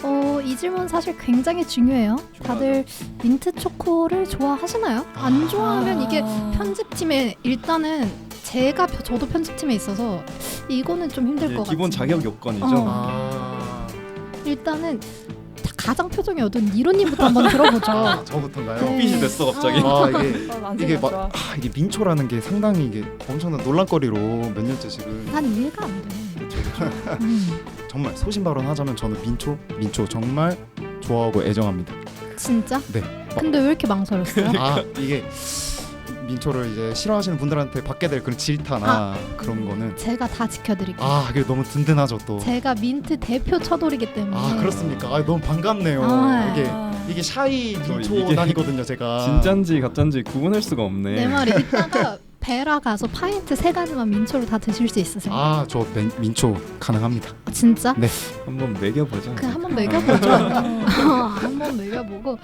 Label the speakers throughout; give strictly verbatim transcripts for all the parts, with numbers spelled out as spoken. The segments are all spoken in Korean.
Speaker 1: 어, 이 질문 사실 굉장히 중요해요. 다들 민트 초코를 좋아하시나요? 안 좋아하면 이게 편집팀에 일단은 제가 저도 편집팀에 있어서 이거는 좀 힘들 것 같아요.
Speaker 2: 기본 자격 요건이죠.
Speaker 1: 어.
Speaker 3: 아,
Speaker 1: 일단은 가장 표정이 어두운 니로님부터 한번 들어보죠.
Speaker 3: 아 저부터인가요?
Speaker 1: 네.
Speaker 2: 빛이 됐어 갑자기.
Speaker 3: 아 이게
Speaker 4: 난
Speaker 3: 이게 막
Speaker 4: 좋아.
Speaker 3: 아, 이게 민초라는 게 상당히 이게 엄청난 논란거리로 몇 년째 지금
Speaker 1: 난 이해가 안 돼.
Speaker 3: 그쵸, 그쵸.
Speaker 1: 음,
Speaker 3: 정말 소신 발언하자면 저는 민초 민초 정말 좋아하고 애정합니다.
Speaker 1: 진짜?
Speaker 3: 네.
Speaker 1: 근데 왜 이렇게 망설였어요?
Speaker 3: 아 이게 민초를 이제 싫어하시는 분들한테 받게 될 그런 질타나 그런 거는
Speaker 1: 제가 다 지켜드릴게요.
Speaker 3: 아 그게 너무 든든하죠 또.
Speaker 1: 제가 민트 대표 처돌이기 때문에.
Speaker 3: 아 그렇습니까? 아 너무 반갑네요.
Speaker 1: 아,
Speaker 3: 이게 이게 샤이
Speaker 2: 저
Speaker 3: 민초
Speaker 2: 이게
Speaker 3: 단이거든요 제가.
Speaker 2: 진짠지 가짠지 구분할 수가 없네.
Speaker 1: 내 말이 이따가 베라 가서 파인트 세 가지만 민초로 다 드실 수 있으세요?
Speaker 3: 아저 민초 가능합니다.
Speaker 1: 아, 진짜?
Speaker 3: 네.
Speaker 2: 한번 매겨보자.
Speaker 1: 그 한번 먹여보죠. 한번 먹여보고.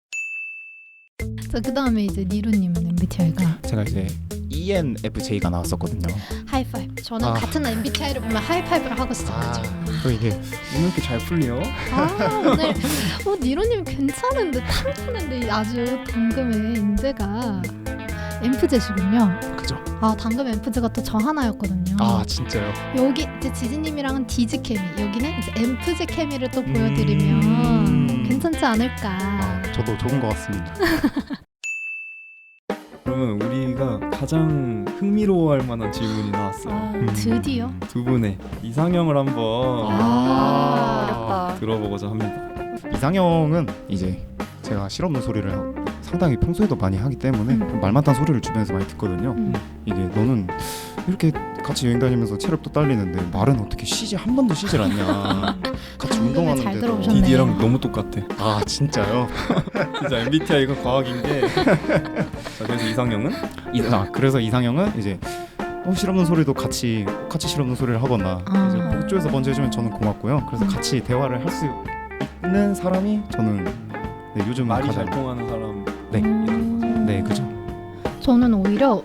Speaker 1: 자, 그 다음에 이제 니루님은 엠비티아이가
Speaker 3: 제가 이제 이엔에프제이가 나왔었거든요.
Speaker 1: 하이파이브. 저는
Speaker 3: 아.
Speaker 1: 같은 엠비티아이를 보면 하이파이브를 하고 시작하죠.
Speaker 3: 그 이게
Speaker 2: 오늘 이렇게 잘 풀려?
Speaker 1: 아, 오늘 어, 니루님 괜찮은데 탐나는데 아주 당금의 인재가 엠프제시군요.
Speaker 3: 그죠?
Speaker 1: 아, 당금 엠프제가 또 저 하나였거든요.
Speaker 3: 아 진짜요?
Speaker 1: 여기 이제 지지님이랑은 디지 케미, 여기는 이제 엠프제 케미를 또 보여드리면
Speaker 3: 음.
Speaker 1: 괜찮지 않을까.
Speaker 3: 아, 저도 좋은 것 같습니다.
Speaker 2: 그러면 우리가 가장 흥미로워할 만한 질문이 나왔어요.
Speaker 4: 아,
Speaker 3: 음.
Speaker 1: 드디어.
Speaker 2: 두 분의 이상형을 한번
Speaker 1: 아,
Speaker 4: 어렵다.
Speaker 2: 들어보고자 합니다.
Speaker 3: 이상형은 이제 제가 실없는 소리를 상당히 평소에도 많이 하기 때문에
Speaker 1: 음.
Speaker 3: 말 많다는 소리를 주변에서 많이 듣거든요.
Speaker 1: 음.
Speaker 3: 이게 너는 이렇게 같이 여행 다니면서 체력도 딸리는데 말은 어떻게 쉬지 한 번도 쉬질 않냐. 같이
Speaker 1: 당근을 잘
Speaker 3: 운동하는데도.
Speaker 1: 들어오셨네.
Speaker 2: 디디랑 너무 똑같아.
Speaker 3: 아 진짜요?
Speaker 2: 진짜 엠비티아이가 과학인 게. 자, 그래서 이상형은?
Speaker 3: 이, 아 그래서 이상형은 이제 어, 실없는 소리도 같이 같이 실없는 소리를 하거나
Speaker 1: 아.
Speaker 3: 이제 복조에서 먼저 해주면 저는 고맙고요. 그래서
Speaker 1: 음.
Speaker 3: 같이 대화를 할 수 있는 사람이 저는 네, 요즘은
Speaker 2: 말이
Speaker 3: 가장
Speaker 2: 잘 통하는 사람.
Speaker 3: 네.
Speaker 1: 음.
Speaker 3: 네 그죠.
Speaker 1: 저는 오히려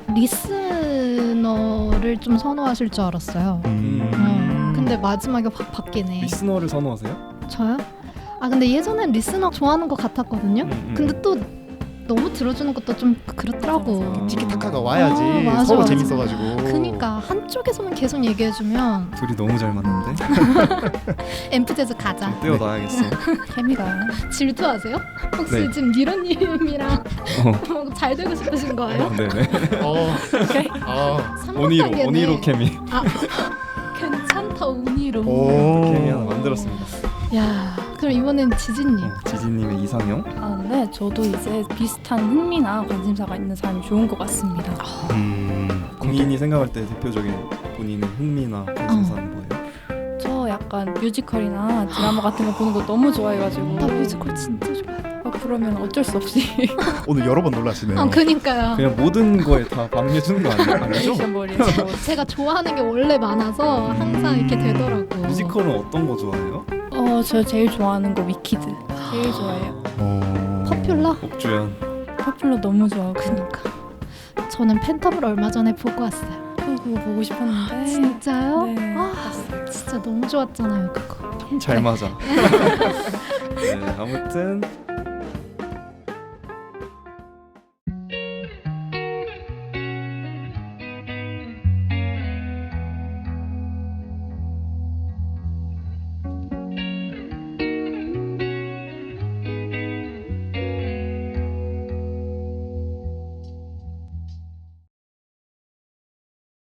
Speaker 1: 리스너를 좀 선호하실 줄 알았어요.
Speaker 3: 음.
Speaker 1: 어, 근데 마지막에 확 바뀌네.
Speaker 2: 리스너를 선호하세요?
Speaker 1: 저요? 아 근데 예전엔 리스너 좋아하는 것 같았거든요.
Speaker 2: 음, 음.
Speaker 1: 근데 또 너무 들어주는 것도 좀 그렇더라고.
Speaker 2: 맞아, 맞아.
Speaker 3: 티키타카가 와야지
Speaker 1: 어, 맞아,
Speaker 3: 서로
Speaker 1: 맞아.
Speaker 3: 재밌어가지고.
Speaker 1: 그니까 한쪽에서만 계속 얘기해주면
Speaker 2: 둘이 너무 잘 맞는데?
Speaker 1: 엠프제즈 가자.
Speaker 2: 떼어놔야겠어.
Speaker 4: 케미가
Speaker 1: 질투하세요? 혹시
Speaker 2: 네.
Speaker 1: 지금 니로님이랑
Speaker 2: 어.
Speaker 1: 뭐 잘 되고 싶으신 거예요?
Speaker 2: 네네.
Speaker 3: 어. 아.
Speaker 2: 오니로,
Speaker 1: 삼각관계네.
Speaker 2: 오니로 케미.
Speaker 1: 아, 괜찮다 오니로.
Speaker 3: 오.
Speaker 2: 케미 하나 만들었습니다.
Speaker 1: 야, 그럼 이번엔 지진님.
Speaker 2: 어, 지진님의 이상형?
Speaker 4: 아 근데 저도 이제 비슷한 흥미나 관심사가 있는 사람이 좋은 것 같습니다.
Speaker 3: 음.
Speaker 2: 본인이 생각할 때 대표적인 본인의 흥미나 관심사는 뭐예요?
Speaker 4: 저 약간 뮤지컬이나 드라마 같은 거 보는 거 너무 좋아해가지고
Speaker 1: 나 뮤지컬 진짜 좋아해.
Speaker 4: 아, 그러면 어쩔 수 없이
Speaker 3: 오늘 여러 번 놀라시네요.
Speaker 1: 아, 그니까요.
Speaker 2: 그냥 모든 거에 다 반응해주는 거 아니에요? 아니죠?
Speaker 4: 리액션 머리에
Speaker 1: 제가 좋아하는 게 원래 많아서 항상 이렇게 되더라고.
Speaker 2: 뮤지컬은 어떤 거 좋아해요?
Speaker 4: 어, 저 제일 좋아하는 거 위키드 제일 좋아해요.
Speaker 3: 어.
Speaker 1: 퍼퓰러?
Speaker 2: 옥주연.
Speaker 4: 퍼플러 너무 좋아하고
Speaker 1: 그니까. 저는 팬텀을 얼마 전에 보고 왔어요.
Speaker 4: 그거 보고 싶었는데
Speaker 1: 진짜요?
Speaker 4: 네,
Speaker 1: 아,
Speaker 4: 봤어요.
Speaker 1: 진짜 너무 좋았잖아요, 그거.
Speaker 2: 잘 맞아. 네, 아무튼